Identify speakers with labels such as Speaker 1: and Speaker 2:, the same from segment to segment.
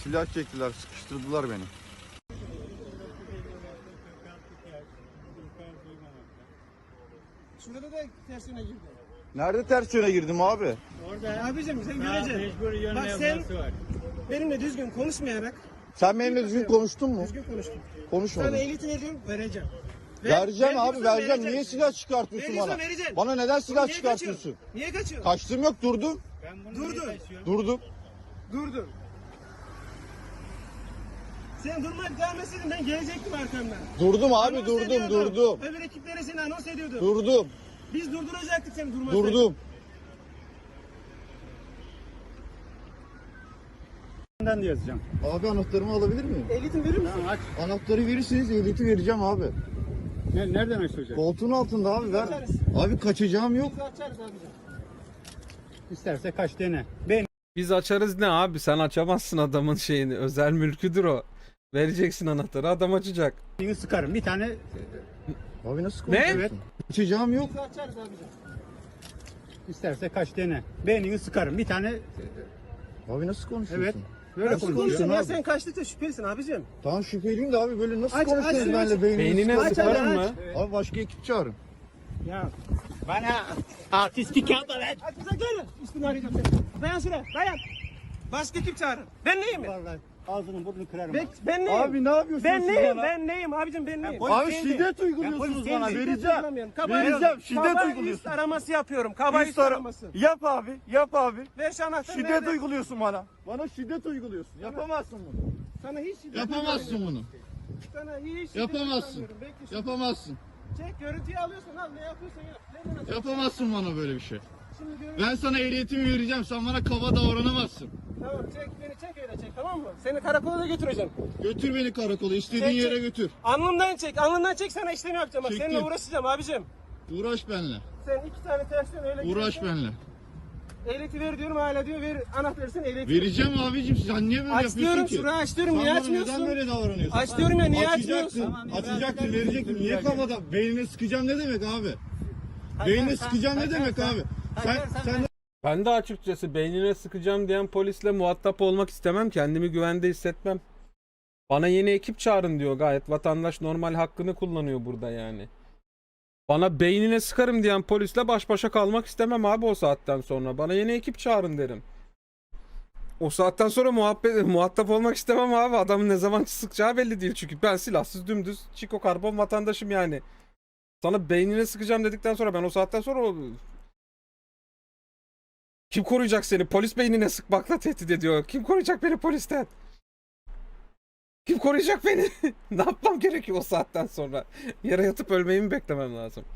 Speaker 1: Silah çektiler, sıkıştırdılar beni.
Speaker 2: Şurada da ters yöne girdi.
Speaker 1: Nerede ters yöne girdim abi?
Speaker 2: Orada. Abicim sen göreceksin. Bak sen benimle düzgün konuşmayarak.
Speaker 1: Sen benimle düzgün konuştun mu?
Speaker 2: Düzgün konuştun.
Speaker 1: Konuşmadın.
Speaker 2: Sana ehliyetini vereceğim, vereceğim.
Speaker 1: Vereceğim abi,
Speaker 2: veriyorsan
Speaker 1: vereceğim.
Speaker 2: vereceksin.
Speaker 1: Niye silah çıkartıyorsun
Speaker 2: Veriyorsan
Speaker 1: bana?
Speaker 2: vereceksin.
Speaker 1: Bana neden silah
Speaker 2: Niye
Speaker 1: çıkartıyorsun?
Speaker 2: kaçıyorsun? Niye kaçıyorsun?
Speaker 1: Kaçtım yok, durdum.
Speaker 2: Durdun.
Speaker 1: Durdum.
Speaker 2: Sen durmak gelmeseydin ben gelecektim arkamdan.
Speaker 1: Durdum abi,
Speaker 2: Anons
Speaker 1: durdum,
Speaker 2: ediyordum.
Speaker 1: durdum.
Speaker 2: Öbür ekiplere seni anons ediyordum.
Speaker 1: Durdum.
Speaker 2: Biz durduracaktık seni durmak.
Speaker 1: Durdum.
Speaker 3: Ben de yazacağım.
Speaker 1: Abi anahtarımı alabilir miyim?
Speaker 2: Ehliyetini verir misin?
Speaker 3: Tamam aç.
Speaker 1: Anahtarı verirseniz ehliyeti vereceğim abi.
Speaker 3: Nereden açılacak?
Speaker 1: Koltuğun altında abi, ver.
Speaker 2: Açarız.
Speaker 1: Abi kaçacağım yok.
Speaker 2: Biz açarız abicim.
Speaker 3: İsterse kaç dene. Ben
Speaker 4: Biz açarız ne abi? Sen açamazsın adamın şeyini. Özel mülküdür o. Vereceksin anahtarı, adam açacak.
Speaker 3: seni sıkarım. Bir tane
Speaker 1: Abi nasıl
Speaker 4: Ne?
Speaker 1: konuşuyorsun? Kaçacağım yok.
Speaker 2: Biz açarız abicim.
Speaker 3: isterse kaç dene. Beynini sıkarım. Bir tane
Speaker 1: Abi nasıl konuşuyorsun?
Speaker 3: evet. Böyle
Speaker 1: Nasıl
Speaker 3: konuşuyor.
Speaker 1: konuşuyorsun
Speaker 2: Ya
Speaker 1: abi?
Speaker 2: sen kaçtıkça şüphelisin abicim.
Speaker 1: Tamam şüpheliyim de abi böyle nasıl
Speaker 2: Aç,
Speaker 1: konuşuyorsun
Speaker 2: aç,
Speaker 1: benimle
Speaker 2: aç.
Speaker 4: Beynine
Speaker 2: Aç,
Speaker 4: sıkarım
Speaker 2: aç,
Speaker 4: mı?
Speaker 2: aç.
Speaker 1: Abi başka ekip çağırın.
Speaker 3: Ya bana artistik yapma lan.
Speaker 2: Hadi bize gelin. Üstünü arayacağım seni. Dayan şuraya, dayan. Başka kim çağırın? Ben neyim ben?
Speaker 3: Vallahi ağzını burnunu kırarım.
Speaker 2: Ben neyim?
Speaker 1: Abi ne yapıyorsunuz
Speaker 2: Ben
Speaker 1: siz
Speaker 2: neyim?
Speaker 1: bana?
Speaker 2: Ben neyim abicim ben neyim?
Speaker 3: polis
Speaker 1: Abi
Speaker 3: değildi.
Speaker 1: şiddet
Speaker 3: Ben
Speaker 1: uyguluyorsunuz
Speaker 3: polis
Speaker 1: bana,
Speaker 3: değildi.
Speaker 1: vereceğim.
Speaker 2: Kaba
Speaker 1: Vereceğim, şiddet
Speaker 2: kaba
Speaker 1: uyguluyorsun.
Speaker 2: üst araması yapıyorum. Kaba üst
Speaker 1: Üst ara-
Speaker 2: araması.
Speaker 1: Yap abi, yap abi.
Speaker 2: Ver şu anahtarı.
Speaker 1: Şiddet
Speaker 2: nerede?
Speaker 1: uyguluyorsun bana. Bana şiddet uyguluyorsun. Yapamazsın bunu.
Speaker 2: Sana hiç şiddet
Speaker 1: Yapamazsın
Speaker 2: uygulamıyorum.
Speaker 1: bunu.
Speaker 2: Sana hiç şiddet
Speaker 1: Yapamazsın.
Speaker 2: uygulamıyorum. Bekle şimdi.
Speaker 1: Yapamazsın.
Speaker 2: Çek görüntüyü alıyorsun al ne yapıyorsan yap. Ver bana.
Speaker 1: Yapamazsın bana böyle bir şey.
Speaker 2: Şimdi görüntü.
Speaker 1: Ben sana ehliyetimi vereceğim. Sen bana kaba davranamazsın.
Speaker 2: Tamam çek beni çek öyle çek tamam mı? Seni karakola da götüreceğim.
Speaker 1: Götür beni karakola. İstediğin
Speaker 2: Çek,
Speaker 1: yere
Speaker 2: çek.
Speaker 1: götür.
Speaker 2: Alnından çek sana işlemi yapacağım. Bak
Speaker 1: Çektim.
Speaker 2: seninle uğraşacağım abicim.
Speaker 1: Uğraş benimle.
Speaker 2: Sen iki tane tersten öyle
Speaker 1: Uğraş
Speaker 2: gidiyorsun.
Speaker 1: benimle.
Speaker 2: Ehliyeti ver diyorum hala diyor ver anahtarı sen ehliyeti.
Speaker 1: Vereceğim abicim. Sen niye böyle
Speaker 2: Aç
Speaker 1: yapıyorsun
Speaker 2: diyorum
Speaker 1: ki?
Speaker 2: şurayı aç diyorum
Speaker 1: Sen
Speaker 2: niye
Speaker 1: bana
Speaker 2: açmıyorsun?
Speaker 1: neden böyle davranıyorsun?
Speaker 2: Aç diyorum ya niye
Speaker 1: Açacaktın.
Speaker 2: açmıyorsun?
Speaker 1: Açacaktın, verecektin. Niye kafada? Beynine sıkacağım ne demek abi? Beynine sıkacağım ne demek abi? Sen
Speaker 4: Ben de açıkçası beynine sıkacağım diyen polisle muhatap olmak istemem. Kendimi güvende hissetmem. Bana yeni ekip çağırın diyor gayet. Vatandaş normal hakkını kullanıyor burada yani. Bana beynine sıkarım diyen polisle baş başa kalmak istemem abi o saatten sonra. Bana yeni ekip çağırın derim. O saatten sonra muhatap olmak istemem abi. Adamın ne zaman sıkacağı belli değil çünkü. Ben silahsız dümdüz çiko karbon vatandaşım yani. Sana beynine sıkacağım dedikten sonra ben o saatten sonra kim koruyacak seni? Polis beynine sıkmakla tehdit ediyor. Kim koruyacak beni polisten? Kim koruyacak beni? Ne yapmam gerekiyor o saatten sonra? Yere yatıp ölmeyi mi beklemem lazım?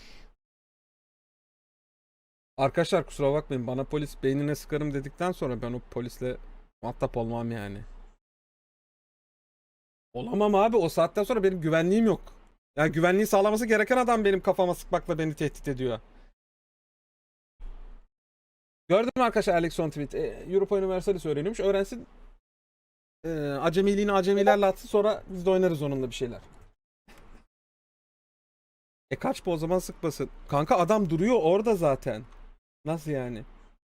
Speaker 4: Arkadaşlar kusura bakmayın. Bana polis beynine sıkarım dedikten sonra ben o polisle muhatap olmam yani. Olamam abi. O saatten sonra benim güvenliğim yok. Yani güvenliği sağlaması gereken adam benim kafama sıkmakla beni tehdit ediyor. Gördün mü arkadaşlar Alex on tweet? Europa Universalis öğreniyormuş. Öğrensin. Acemiliğini acemilerle atsın sonra biz de oynarız onunla bir şeyler. Kaç bu o zaman sıkmasın. Kanka adam duruyor orada zaten. Nasıl yani?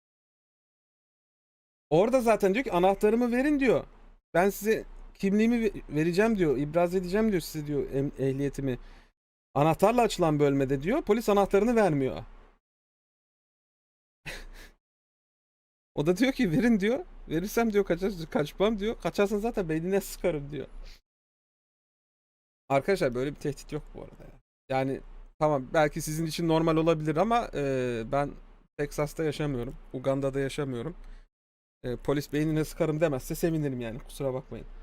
Speaker 4: Orada zaten diyor ki anahtarımı verin diyor. Ben size kimliğimi vereceğim diyor. İbraz edeceğim diyor size diyor ehliyetimi. Anahtarla açılan bölmede diyor. Polis anahtarını vermiyor. O da diyor ki verin diyor. Verirsem diyor kaçmam diyor. Kaçarsan zaten beynine sıkarım diyor. Arkadaşlar böyle bir tehdit yok bu arada ya. Yani tamam belki sizin için normal olabilir ama ben Texas'ta yaşamıyorum. Uganda'da yaşamıyorum. Polis beynine sıkarım demezse sevinirim yani kusura bakmayın.